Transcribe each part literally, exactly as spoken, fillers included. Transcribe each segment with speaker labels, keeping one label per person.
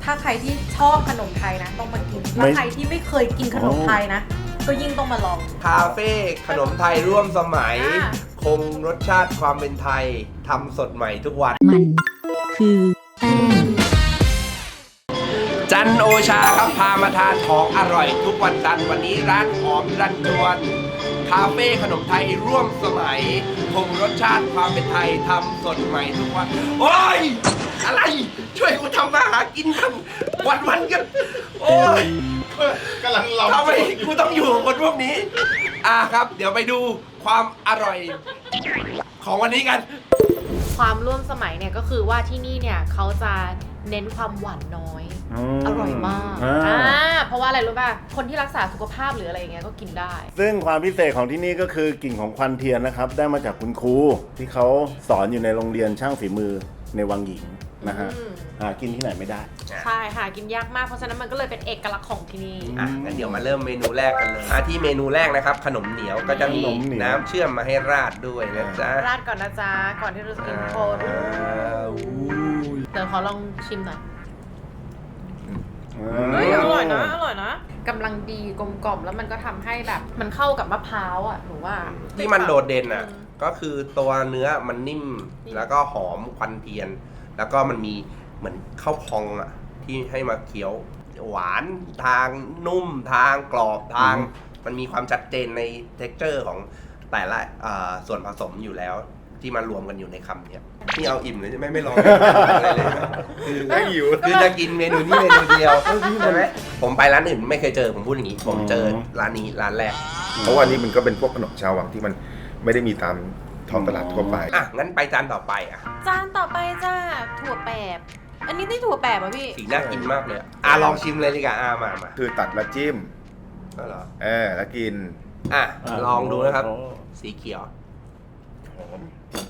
Speaker 1: ถ้าใครที่ชอบขนมไทยนะต้องมากินถ้าใครที่ไม่เคยกินขนมไทยนะก็ยิ่งต้องมาลอง
Speaker 2: คาเฟ่ขนมไทยร่วมสมัยคงรสชาติความเป็นไทยทำสดใหม่ทุกวัน
Speaker 3: มันคือแป้ง
Speaker 2: จันโอชาครับพามาทานของอร่อยทุกวันจันทร์วันนี้ร้านหอมรันจวนคาเฟ่ขนมไทยร่วมสมัยคงรสชาติความเป็นไทยทำสดใหม่ทุกวันโอ้ยอะไรช่วยกูทำมาหากินกันวันวันกันโอ้ย
Speaker 4: กำลังรอ
Speaker 2: ทำไมกูต้องอยู่กับคนพวกนี้อ่ะครับเดี๋ยวไปดูความอร่อยของวันนี้กัน
Speaker 1: ความร่วมสมัยเนี่ยก็คือว่าที่นี่เนี่ยเขาจะเน้นความหวานน้อยอร่อยมากอ่าเพราะว่าอะไรรู้ป่ะคนที่รักษาสุขภาพหรืออะไรอย่างเงี้ยก็กินได้
Speaker 5: ซึ่งความพิเศษของที่นี่ก็คือกลิ่นของควันเทียนนะครับได้มาจากคุณครูที่เขาสอนอยู่ในโรงเรียนช่างฝีมือในวังหญิงนะฮะหากินที่ไหนไม่ได้
Speaker 1: ใช่หากินยากมากเพราะฉะนั้นมันก็เลยเป็นเอกลักษณ์ของที่นี่
Speaker 2: อ่ะงั้นเดี๋ยวมาเริ่มเมนูแรกกันเลยอ่ะที่เมนูแรกนะครับขนมเหนียวก็จะมีน้ำเชื่อมมาให้ราดด้วยนะจ๊ะ
Speaker 1: ราดก่อนนะจ๊ะก่อนที่เราจะกินโคด้วยเดี๋ยวขอลองชิมหน่อยเฮ้ยอร่อยนะอร่อยนะกำลังดีกลมกล่อมแล้วมันก็ทำให้แบบมันเข้ากับมะพร้าวอ่ะหนูว่า
Speaker 2: ที่มันโดดเด่นอ่ะก็คือตัวเนื้อมันนิ่มแล้วก็หอมควันเทียนแล้วก็มันมีเหมือนข้าวพองอ่ะที่ให้มาเคี้ยวหวานทางนุ่มทางกรอบทางมันมีความชัดเจนในเท็กเจอร์ของแต่ละส่วนผสมอยู่แล้วที่มารวมกันอยู่ในคำเนี้ยนี่เอาอิ่มเลยใช่ไหมไม่ลองอะไรเลยคือไม่หิวคือจะกินเมนูนี้เมนูเดียวใช่ไหมผมไปร้านอื่นไม่เคยเจอผมพูดอย่างนี้ผมเจอร้านนี้ร้านแรก
Speaker 4: เพราะว่านี่มันก็เป็นพวกขนมชาววังที่มันไม่ได้มีตามท้องตลาดทั่วไป
Speaker 2: อ่ะงั้นไปจานต่อไปอ่ะ
Speaker 1: จานต่อไปจ้าถั่วแปบอันนี้ได้ถั่วแปบป่ะพี่
Speaker 2: สีน่ากินมากเลยอ่ะลองชิมเลยดีกว่าอ่ะมามา
Speaker 4: คือตัดแล้วจิ้ม
Speaker 2: ก็เหรอ
Speaker 4: เออแล้วกิน
Speaker 2: อ่ะลองดูนะครับสีเขียวหอม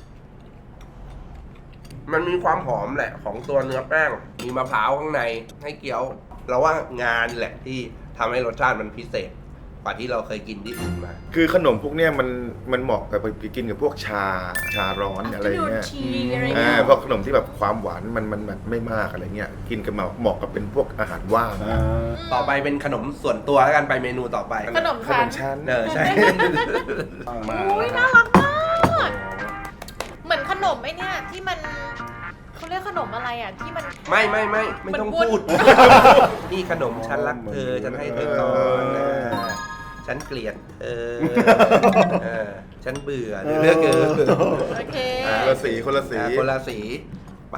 Speaker 2: มันมีความหอมแหละของตัวเนื้อแป้งมีมะพร้าวข้างในให้เคี้ยวเราว่างานแหละที่ทำให้รสชาติมันพิเศษกว่าที่เราเคยกินที่อื่นมา
Speaker 4: คือขนมพวกเนี้ยมันมันเหมาะกับไปกินกับพวกชาชาร้อนอะไรเงี้ยอ่าพวกขนมที่แบบความหวานมันมันแบบไม่มากอะไรเงี้ยกินกับเหมาะกับเป็นพวกอาหารว่าง
Speaker 2: ต่อไปเป็นขนมส่วนตัวแล้วกันไปเมนูต่อไป
Speaker 1: ขนม
Speaker 4: ขนมชั้น
Speaker 2: เออใช่
Speaker 1: อุ้ยน่ารักมากเหมือนขนมไอ้เนี่ยที่มันเขาเรียกขนมอะไรอ่ะที่มัน
Speaker 2: ไม่ไม่ไม่ไม่ต้องพูดนี่ขนมฉันรักเธอฉันให้เธอก่อนฉันเกลียดเธอฉันเบื่อเลือกเกิน
Speaker 1: โอเค
Speaker 4: คนละสีคนละสี
Speaker 2: คนละสีไป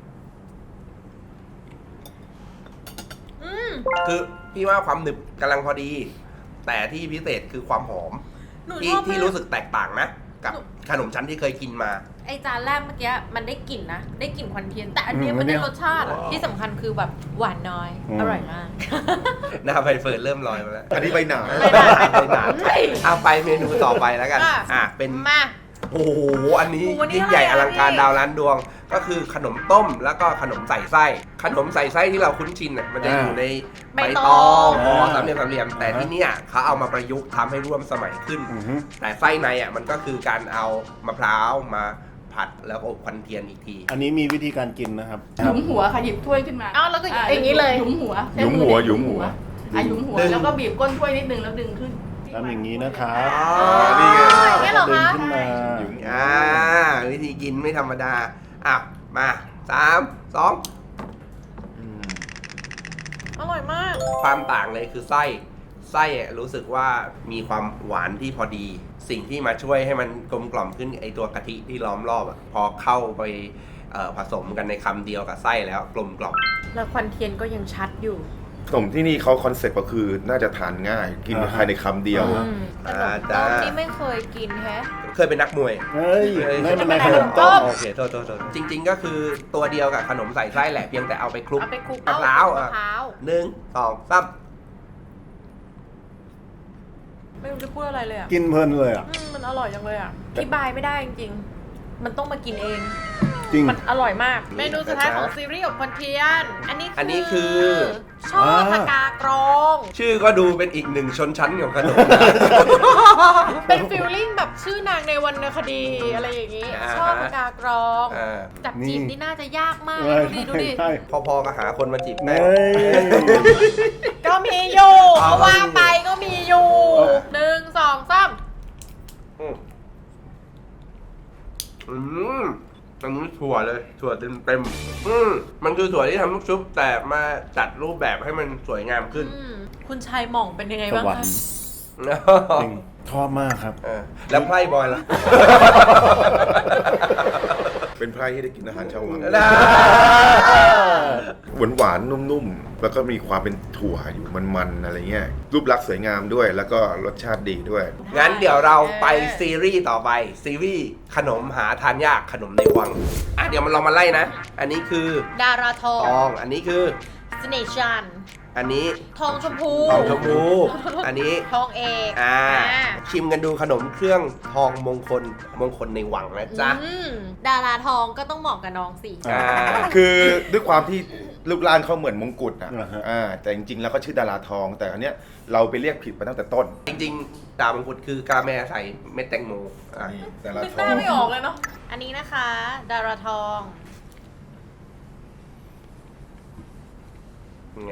Speaker 2: คือพี่ว่าความหนึบกำลังพอดีแต่ที่พิเศษคือความหอมที่ที่รู้สึกแตกต่างนะกับขนมชั้นที่เคยกินมา
Speaker 1: ไอจานแรกเมื่อกี้มันได้กลิ่นนะได้กลิ่นควันเทียนแต่อันนี้มันได้รสชาติอ่ะที่สำคัญคือแบบหวานน้อยอร่อยมาก
Speaker 2: หน้าใบเฟิร์นเริ่มลอยมาแล้ว
Speaker 4: อันนี้ใบหนา
Speaker 2: ใบหนาเอาไปเมนูต่อไปแล้วกันอ่ะเป็น
Speaker 1: มา
Speaker 2: โอ้โหอันนี้ยิ่งใหญ่อลังการดาวล้านดวงก็คือขนมต้มแล้วก็ขนมใส่ไส้ขนมใส่ไส้ที่เราคุ้นชินอ่ะมันจะอยู่ในใบตองห่อสามเหลี่ยมสามเหลี่ยมแต่ที่นี่เขาเอามาประยุกต์ทำให้ร่วมสมัยขึ้นแต่ไส้ในอ่ะมันก็คือการเอามะพร้าวมาผัดแล้วอบควันเทียนอีกที
Speaker 5: อันนี้มีวิธีการกินนะครับ
Speaker 6: หยุมหัวค่ะหยิบถ้วยขึ้นมา
Speaker 1: อ้าวแล้วก็อย่างนี้เลย
Speaker 6: หยุมหัว
Speaker 4: หยุมหัวหยุมหัว
Speaker 6: อ่ะหยุมหัวแล้วก็บีบก้นถ้วยนิดนึงแล้วดึงขึ้น
Speaker 5: ทำอย่างนี้นะครับ
Speaker 4: นี่ไง
Speaker 1: นี่เหรอคะ
Speaker 5: ขึ้นมา
Speaker 2: อ่าวิธีกินไม่ธรรมดาอ่ะมาสามสอง
Speaker 1: อร่อยมาก
Speaker 2: ความต่างเลยคือไส้ไส้รู้สึกว่ามีความหวานที่พอดีสิ่งที่มาช่วยให้มันกลมกล่อมขึ้นไอตัวกะทิที่ล้อมรอบอ่ะพอเข้าไปผสมกันในคำเดียวกับไส้แล้วกลมกล่อม
Speaker 1: แล้วควันเทียนก็ยังชัดอยู่
Speaker 4: ขนมที่นี่เขาคอนเซ็ปต์ก็คือน่าจะทานง่ายกินภายในคำเดียว
Speaker 1: ขนมต้มที่ไม่เคยกินแฮะ
Speaker 2: เคยเป็นนักมวย
Speaker 5: เฮ้ยไม่เป็นขนม
Speaker 1: ต้ม
Speaker 2: โอเคโทษโทษโทษจริงๆก็คือตัวเดียวกับขนมใส่ไส้แหละเพียงแต่เอาไปคลุก
Speaker 1: เอาไปคลุก
Speaker 2: มะพร้าวหนึ่งสองสาม
Speaker 1: ไม่รู้จะพูดอะไรเลยอ่ะ
Speaker 5: กินเพลินเลยอ่ะ
Speaker 1: มันอร่อยจังเลยอ่ะอธิบายไม่ได้จริงๆมันต้องมากินเอง
Speaker 5: จริง
Speaker 1: มันอร่อยมากเมนูสุดท้ายของซีรีส์อบควันเทียนอันนี้
Speaker 2: อันนี้คือ
Speaker 1: ช่อผักกากรอง
Speaker 2: ชื่อก็ดูเป็นอีกหนึ่งชนชั้นของขนม
Speaker 1: เป็นฟิลลิ่งแบบชื่อนางในวรรณคดีอะไรอย่างงี้
Speaker 2: อ่า
Speaker 1: ช่อผักกากรอง
Speaker 2: อ่า
Speaker 1: จับจีบนี่น่าจะยากมาก
Speaker 5: ใช่
Speaker 1: ดูดิดูดิ
Speaker 5: ใช่
Speaker 2: พอๆกับหาคนมาจีบแม่
Speaker 5: เฮ้ย
Speaker 1: ก็มีอยู่
Speaker 2: เอา
Speaker 1: ก็ว่าไปก็มีอยู่
Speaker 5: เออ
Speaker 1: หนึ่งสองสาม
Speaker 2: อืมอืมอันนี้ถั่วเลยถั่วเต็มเต็มๆอืมมันคือถั่วที่ทำลูกชุบแต่มาจัดรูปแบบให้มันสวยงามขึ้น
Speaker 1: อืมคุณชายหม่องเป็นยังไง
Speaker 5: ส
Speaker 1: บ้าง
Speaker 5: วรร
Speaker 1: คะ
Speaker 5: ค์จริงชอบมากครับ
Speaker 2: เออแล้วไพร่บอยล่ะ
Speaker 4: เป็นไพร่ที่ได้กินอาหารชาววัง
Speaker 2: ได้
Speaker 4: หวานหวานๆนุ่มๆ แล้วก็มีความเป็นถั่วอยู่มันๆอะไรเงี้ยรูปลักษณ์สวยงามด้วย แล้วก็รสชาติดีด้วย
Speaker 2: งั้นเดี๋ยวเราไปซีรีส์ต่อไปซีรีส์ขนมหาทานยากขนมในวังอ่ะเดี๋ยวมันลองมาไล่นะ อันนี้คือ
Speaker 1: ดาราทอ
Speaker 2: ทอง งอันนี้คือ
Speaker 1: สเนชัน
Speaker 2: อันนี้
Speaker 1: ทองชมพู
Speaker 2: ทองชมพูอันนี้
Speaker 1: ทองเอก
Speaker 2: อ่า
Speaker 1: อ่า
Speaker 2: ชิมกันดูขนมเครื่องทองมงคลมงคลในวังนะจ๊ะ
Speaker 1: อืมดาราทองก็ต้องเหมาะกับน้องสิ
Speaker 2: อ่า
Speaker 4: คือด้วยความที่รูปร่างเขาเหมือนมงกุฎอ่ะ
Speaker 5: อ่าฮะ
Speaker 4: อ่าแต่จริงๆแล้วเขาชื่อดาราทอง แต่อันเนี้ยเราไปเรียกผิดมาตั้งแต่ต้น
Speaker 2: จริงๆ ดาวมงกุฎคือกาแมใส่เม็ดแตงโมอ่ะ
Speaker 4: นี่ดารา
Speaker 1: นึก
Speaker 4: ท
Speaker 1: ห
Speaker 4: อ
Speaker 1: น้าง ไม่ออกเลยเนาะ อันนี้นะคะ ดาราทอง
Speaker 2: ไง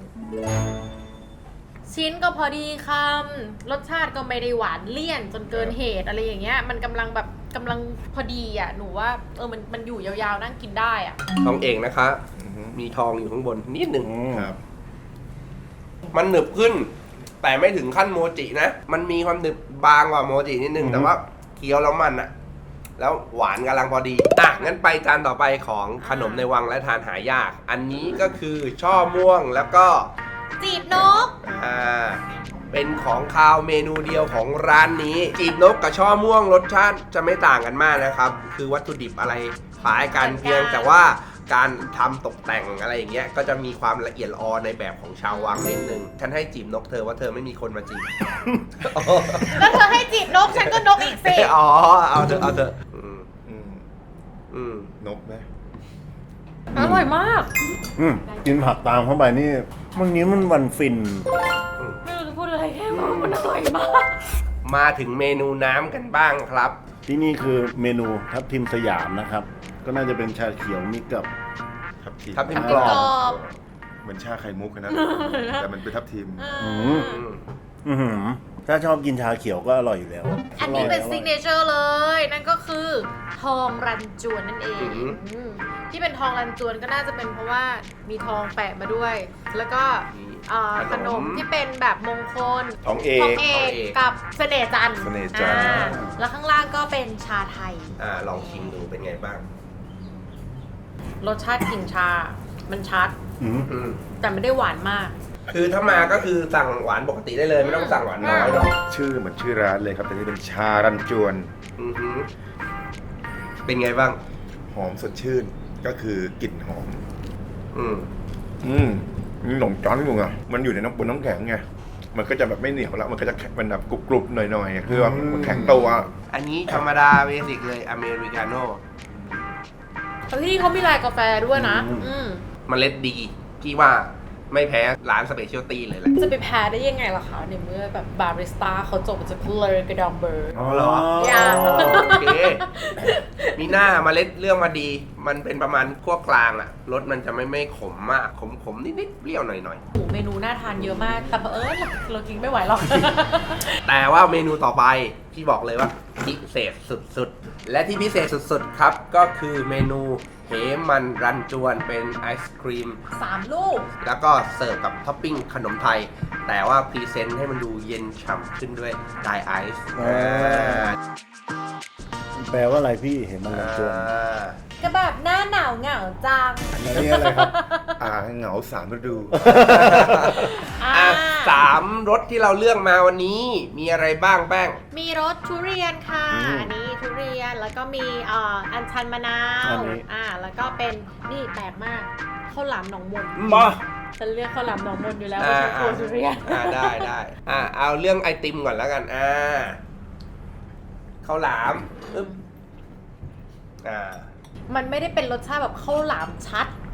Speaker 1: ชิ้นก็พอดีคำรสชาติก็ไม่ได้หวานเลี่ยนจนเกินเหตุอะไรอย่างเงี้ย มันกำลังแบบกำลังพอดีอ่ะ หนูว่าเออมันมันอยู่ยาวๆนั่งกินได้อ่ะ
Speaker 2: ทองเอกนะคะ
Speaker 4: อือฮึ
Speaker 2: มีทองอยู่ข้างบนนิดหนึ่ง
Speaker 5: อืม
Speaker 4: ครับ
Speaker 2: มันหนึบขึ้น แต่ไม่ถึงขั้นโมจินะ มันมีความหนึบบางกว่าโมจินิดนึง
Speaker 5: อือฮึ
Speaker 2: แต่ว่าเคี้ยวแล้วมันอะแล้วหวานกำลังพอดี อ่ะ งั้นไปจานต่อไปของขนมในวังและทานหายาก อันนี้ก็คือช่อม่วงแล้วก็
Speaker 1: จีบนก
Speaker 2: อ่า เป็นของคาวเมนูเดียวของร้านนี้ จีบนกกับช่อม่วงรสชาติจะไม่ต่างกันมากนะครับ คือวัตถุดิบอะไรคล้ายกัน
Speaker 1: เหมือนกัน
Speaker 2: เพียงแต่ว่าการทำตกแต่งอะไรอย่างเงี้ย ก็จะมีความละเอียดอ่อนในแบบของชาววังนิดนึง ฉันให้จีบนกเธอว่าเธอไม่มีคนมาจีบ
Speaker 1: แล้วเธอให้จีบนก ฉันก็นกอีกสิ
Speaker 2: อ๋อ เอาเถอะเอาเถอะอืม
Speaker 4: อืม
Speaker 2: อืม
Speaker 4: นกไหม
Speaker 1: อร่อยมาก
Speaker 5: อืมกินผักตามเข้าไปนี่วันนี้มันวันฟิน
Speaker 1: ไม่รู้จะพูดอะไรแค่ว่ามันอร่อยมาก
Speaker 2: มาถึงเมนูน้ำกันบ้างครับ
Speaker 5: ที่นี่คือเมนูทับทิมสยามนะครับ ก็น่าจะเป็นชาเขียวมิกกับ
Speaker 4: ทับทิม
Speaker 2: ทับทิม
Speaker 1: กรอบ
Speaker 4: เหมือนชาไข่มุกอะนะ แต่มันเป็นทับทิม
Speaker 5: อืม
Speaker 2: อืม
Speaker 5: อื้อหือถ้าชอบกินชาเขียวก็อร่อยอยู่แล้ว
Speaker 1: อันนี้เป็น
Speaker 5: ร่ย
Speaker 1: ซิกเนเจอร์เลย นั่นก็คือทองรันจวนนั่นเอง
Speaker 2: อือหือ
Speaker 1: อืมที่เป็นทองรันจวนก็น่าจะเป็นเพราะว่ามีทองแปะมาด้วย แล้วก็อ่าขนมที่เป็นแบบมงคล
Speaker 4: ทองเอ
Speaker 1: ทอก งเอกกับเสน่ห์จันทร์
Speaker 4: เสน่ห์จันทร์
Speaker 1: อ่าแล้วข้างล่างก็เป็นชาไทย
Speaker 2: อ่า ลองชิมดูเป็นไงบ้าง
Speaker 1: รสชาติกลิ่นชา มันชัด
Speaker 5: อืม
Speaker 2: อืม
Speaker 1: แต่ไม่ได้หวานมาก
Speaker 2: คือถ้ามาก็คือสั่งหวานปกติได้เลย ไม่ต้องสั่งหวานน้อยหรอก
Speaker 4: ชื่อเหมือนชื่อร้านเลยครับ แต่นี่เป็นชารันจวน
Speaker 2: อือหือเป็นไงบ้าง
Speaker 4: หอมสดชื่น ก็คือกลิ่นหอม
Speaker 2: อืม
Speaker 4: อืมมีหนมจ้อนอยู่ไงมันอยู่ในน้ำบนน้ำแข็งไง มันก็จะแบบไม่เหนียวแล้ว มันก็จะแข็งเป็นแบบกรุบๆหน่อยๆ คือว่ามันแข็งตัว
Speaker 2: อันนี้ธรรมดาเบสิกเลยอเมริกาโน่
Speaker 1: แต่ที่นี่เขามีลายกาแฟด้วยนะ
Speaker 5: อืม
Speaker 1: อืม
Speaker 2: เมล็ดดีพี่ว่าไม่แพ้ร้านสเปเชียลตี้เลยแหละ
Speaker 1: จะไปแพ้ได้ยังไงล่ะคะในเมื่อแบบบาริสต้าเขาจบมาจากเลอร์กระดองเบอร์
Speaker 2: อ๋อเหรอ
Speaker 1: อย่า
Speaker 2: โอเค มีหน้าเมล็ดเรื่องมาดี มันเป็นประมาณขั้วกลางอะรสมันจะไม่ไม่ขมมาก ขมขมนิดนิดๆเปรี้ยวหน่อยหน่อย
Speaker 1: โอ้โหเมนูน่าทานเยอะมาก แต่เผอิญเรากินไม่ไหวหรอก
Speaker 2: ๆแต่ว่าเมนูต่อไปพี่บอกเลยว่าพิเศษสุดๆ และที่พิเศษสุดๆครับ ก็คือเมนูเหมันรันจวนเป็นไอศครีม
Speaker 1: สามลูก
Speaker 2: แล้วก็เสิร์ฟกับท็อปปิ้งขนมไทย แต่ว่าพรีเซนต์ให้มันดูเย็นฉ่ำขึ้นด้วยไดไอซ์
Speaker 5: อ่า แปลว่าอะไรพี่เห็นมันลำจวน
Speaker 1: ก็แบบหน้าหนาวเหงาจัง
Speaker 5: อันนี้อะไรครับ
Speaker 4: อ่าเหงาสามฤดู
Speaker 1: อ่า
Speaker 2: อ่ะสามรสที่เราเลือกมาวันนี้มีอะไรบ้างแป้ง
Speaker 1: มีรสทุเรียนค่ะ
Speaker 5: อืม
Speaker 1: อันนี้ทุเรียน แล้วก็มีเอ่ออัญชันมะนาว
Speaker 5: อันนี้
Speaker 1: อ่า แล้วก็เป็นนี่แปลกมากข้าวหลามหนองมน
Speaker 5: มา
Speaker 1: ฉันเรียกข้าวหลามหนองมนอยู่แล้ว
Speaker 2: อ่า
Speaker 1: ไม่ใช่โคทุเรียน
Speaker 2: อ่าได้ได้อ่าเอาเรื่องไอติมก่อนแล้วกันอ่าข้าวหลามอึ๊บอ่า
Speaker 1: มันไม่ได้เป็นรสชาติแบบข้าวหลามชัด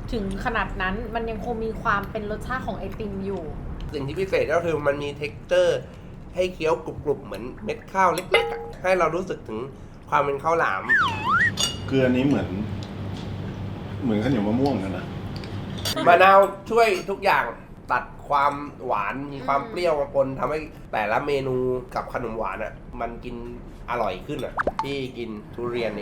Speaker 1: ถึงขนาดนั้นมันยังคงมีความเป็นรสชาติของไอติมอยู่
Speaker 2: สิ่งที่พิเศษก็คือมันมี texture ให้เคี้ยวกรุบๆเหมือนเม็ดข้าวเล็กๆอะให้เรารู้สึกถึงความเป็นข้าวหลาม
Speaker 5: คืออันนี้เหมือน เหมือนข้าวเหนียวมะม่วงกันนะ
Speaker 2: มะนาวช่วยทุกอย่างตัดความหวานมีความเปรี้ยวมาปนทำให้แต่ละเมนูกับขนมหวานอ่ะ มันกินอร่อยขึ้นอ่ะที่กินทุเรียนเอง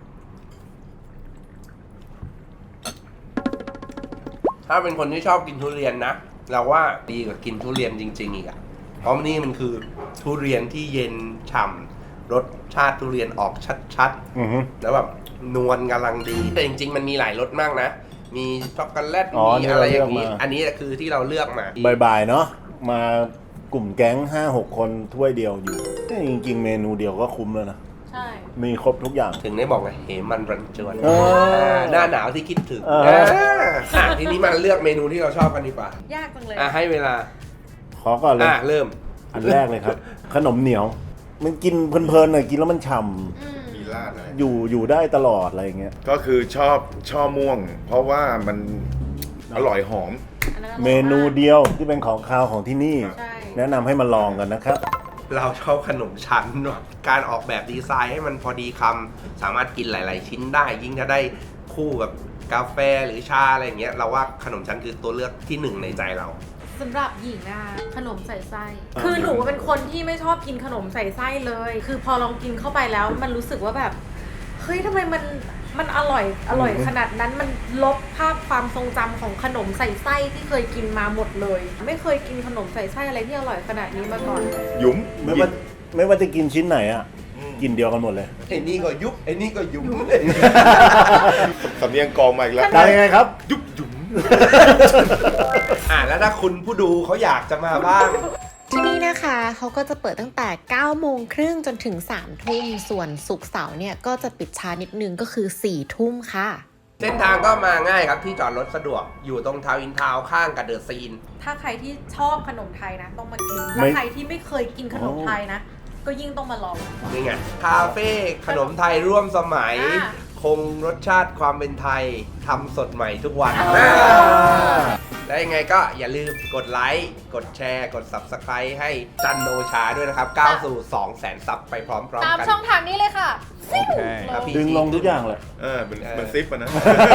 Speaker 2: ถ้าเป็นคนที่ชอบกินทุเรียนนะ เราว่าดีกว่ากินทุเรียนจริงๆอีกอ่ะเพราะนี่มันคือทุเรียนที่เย็นฉ่ำรสชาติทุเรียนออกชัด
Speaker 5: อือฮึ
Speaker 2: ๆแล้วแบบนวลกำลังดีแต่จริงๆมันมีหลายรสมากนะ มีช็อกโกแลต
Speaker 5: อ๋อ
Speaker 2: มีอะไรอย่างนี้
Speaker 5: ที่เราเลือกมา
Speaker 2: อันนี้คือที่เราเลือกมา
Speaker 5: บ่ายๆเนาะมากลุ่มแก๊งห้าหกคนถ้วยเดียวอยู่แต่จริงๆ เมนูเดียวก็คุ้มแล้วนะ
Speaker 1: ใช่
Speaker 5: มีครบทุกอย่าง
Speaker 2: ถึงได้บอกไงเหมันรันจวน
Speaker 5: เออ
Speaker 2: หน้าหนาวที่คิดถึง
Speaker 5: เออ
Speaker 2: อ่าอ่ะทีนี้มาเลือกเมนูที่เราชอบกันดีกว่า
Speaker 1: ยากจังเลย
Speaker 2: อ่ะให้เวลา
Speaker 5: ขอก่อนเลย
Speaker 2: อ่ะเริ่ม
Speaker 5: อันแรกเลยครับ ขนมเหนียว มันกินเพลินๆหน่อยกินแล้วมันฉ่
Speaker 1: อืม
Speaker 4: มีราดอะไร
Speaker 5: ำอยู่อยู่ได้ตลอดอะไรอย่างเงี้ย
Speaker 4: ก็คือชอบช่อม่วง เพราะว่ามันอร่อยหอม
Speaker 1: อันนั้นอร่อย
Speaker 5: เมนูเดียวที่เป็นของคาวของที่นี่
Speaker 1: ใช่
Speaker 5: แนะนำให้มาลองกันนะครับ
Speaker 2: เราชอบขนมชั้นเนอะการออกแบบดีไซน์ให้มันพอดีคำสามารถกินหลาย ๆ ชิ้นได้ ยิ่งถ้าได้คู่กับกาแฟหรือชาอะไรอย่างเงี้ยเราว่าขนมชั้นคือตัวเลือกที่หนึ่งในใจเรา
Speaker 1: สำหรับหญิงอะขนมใส่ไส้ คือหนูเป็นคนที่ไม่ชอบกินขนมใส่ไส้เลย คือพอลองกินเข้าไปแล้วมันรู้สึกว่าแบบ เฮ้ยทำไมมันมันอร่อยอร่อยขนาดนั้นมันลบภาพความทรงจำของขนมใส่ไส้ที่เคยกินมาหมดเลย ไม่เคยกินขนมใส่ไส้อะไรที่อร่อยขนาดนี้มาก่อน
Speaker 4: หยุม
Speaker 5: ไม่ว่าไม่ว่าจะกินชิ้นไหนอ่ะ กินเดียวกันหมดเลย
Speaker 2: ไอ้นี่ก็ยุบไอ้นี่ก็ยุบ
Speaker 4: สำเนียงกองมาอีกแล้ว
Speaker 5: ได้ยังไงครับ
Speaker 4: ยุบหยุม
Speaker 2: อ่ะแล้วถ้าคุณผู้ดูเขาอยากจะมาบ้าง
Speaker 7: ที่นี่นะคะเขาก็จะเปิดตั้งแต่เก้าโมงครึ่งจนถึงสามทุ่มส่วนศุกร์เสาร์เนี่ยก็จะปิดช้านิดนึงก็คือสี่ทุ่มค่ะ
Speaker 2: เส้นทางก็มาง่ายครับที่จอดรถสะดวกอยู่ตรงทาวน์อินทาวน์ข้างกับเดอะซีน
Speaker 1: ถ้าใครที่ชอบขนมไทยนะต้องมากิน
Speaker 5: ไม่
Speaker 1: และใครที่ไม่เคยกินขนมไทยนะ ก็ยิ่งต้องมาลอง
Speaker 2: นี่ไงคาเฟ่ขนมไทยร่วมสมัย
Speaker 1: อ่า
Speaker 2: คงรสชาติความเป็นไทยทำสดใหม่ทุกวัน
Speaker 1: อ่า
Speaker 2: และยังไงก็อย่าลืมกดไลค์กดแชร์กด Subscribe ให้จันโอชาด้วยนะครับก้าวสู่ สองแสน ซับไปพร้อม
Speaker 1: ตาม
Speaker 2: ๆกัน
Speaker 1: ช่องทางนี้เลยค่ะ
Speaker 2: ครับพี่
Speaker 5: ดึงลงทุกอย่างเลย
Speaker 4: เออเป็นเป็นซิปอะนะ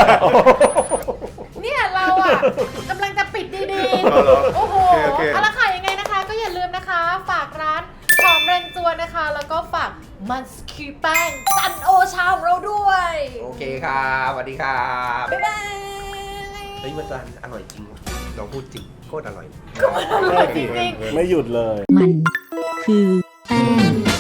Speaker 1: เนี่ยเราอ่ะกำลังจะปิดดี
Speaker 4: อ๋อเหรอ
Speaker 1: ๆ โอ้โห
Speaker 4: โอเคโอเค
Speaker 1: เอาละค่ะยังไงนะคะ ก็อย่าลืมนะคะ ฝากร้านหอมแรงจวนนะคะ แล้วก็ฝากมันสกีแป้งจันโอชาของเราด้วย
Speaker 2: โอเคครับสวัสดีครับ
Speaker 1: บ๊ายบาย
Speaker 2: เฮ้ยมันจะอร่อยจริงลองพูดจริงโคตรอร่อย
Speaker 5: ไม่หยุดเลย
Speaker 3: มันคือแป้ง